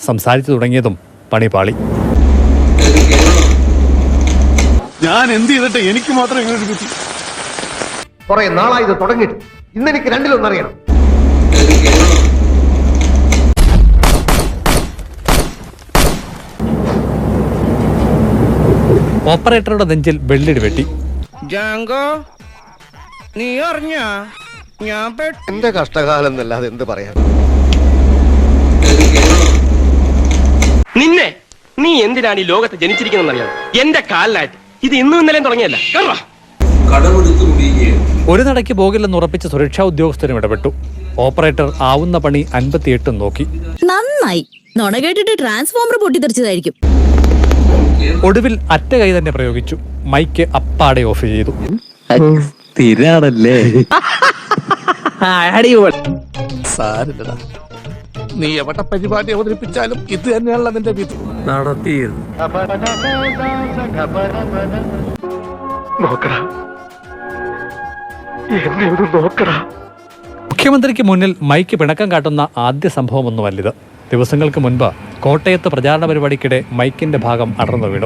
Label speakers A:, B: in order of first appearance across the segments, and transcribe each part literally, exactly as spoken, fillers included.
A: സംസാരിച്ചു തുടങ്ങിയതും പണിപാളി.
B: ഞാൻ എന്ത് ചെയ്തിട്ട് എനിക്ക് മാത്രം ഇങ്ങനെ കിട്ടി?
C: കുറെ നാളായി ഇത് തുടങ്ങിയിട്ട്. ഇന്നെനിക്ക് രണ്ടിലൊന്നറിയണം.
A: ഓപ്പറേറ്ററുടെ നെഞ്ചിൽ വെള്ളിടി വെട്ടി.
D: നീ അറിഞ്ഞ ഞാൻ
C: എന്റെ കഷ്ടകാലം എന്നല്ലാതെ എന്ത് പറയാൻ.
E: നിന്നെ നീ എന്തിനാണ് ഈ ലോകത്ത് ജനിച്ചിരിക്കുന്നറിയാം? എന്റെ കാലിലായിട്ട് ഇത് ഇന്നും ഇന്നലെയും തുടങ്ങിയല്ല.
A: ഒരു നടയ്ക്ക് പോകില്ലെന്ന് ഉറപ്പിച്ച സുരക്ഷാ ഉദ്യോഗസ്ഥരും ഇടപെട്ടു. ഓപ്പറേറ്റർ ആവുന്ന പണി അൻപത്തിയെട്ടും നോക്കി.
F: നന്നായി. നുണ കേട്ടിട്ട് ട്രാൻസ്ഫോമർ പൊട്ടിത്തെറിച്ചതായിരിക്കും.
A: ഒടുവിൽ അറ്റ കൈ തന്നെ പ്രയോഗിച്ചു. മൈക്ക് അപ്പാടെ ഓഫ് ചെയ്തു.
G: സ്ഥിരാണല്ലേ?
B: സാരില്ലടാ, നീ എവിടെ പരിപാടി അവതരിപ്പിച്ചാലും ഇത് തന്നെയാണല്ലോ നിന്റെ വിധി.
G: നടത്തിയിരുന്നു.
A: മുഖ്യമന്ത്രിക്ക് മുന്നിൽ മൈക്ക് പിണക്കം കാട്ടുന്ന ആദ്യ സംഭവമൊന്നുമല്ലിത്. ദിവസങ്ങൾക്ക് മുൻപ് കോട്ടയത്ത് പ്രചാരണ പരിപാടിക്കിടെ മൈക്കിന്റെ ഭാഗം അടർന്നു വീണു.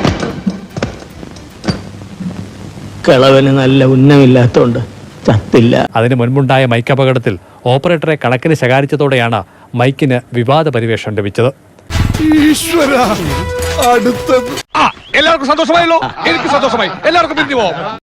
G: കളവന് നല്ല ഉന്നമില്ലാത്തോണ്ട് ചത്തില്ല.
A: അതിന് മുൻപുണ്ടായ മൈക്ക് അപകടത്തിൽ ഓപ്പറേറ്ററെ കണക്കിന് ശകാരിച്ചതോടെയാണ് മൈക്കിന് വിവാദ പരിവേഷം ലഭിച്ചത്.
B: എല്ലാവർക്കും സന്തോഷമായല്ലോ? എനിക്ക് സന്തോഷമായി. എല്ലാവർക്കും പിരിഞ്ഞു പോവാം.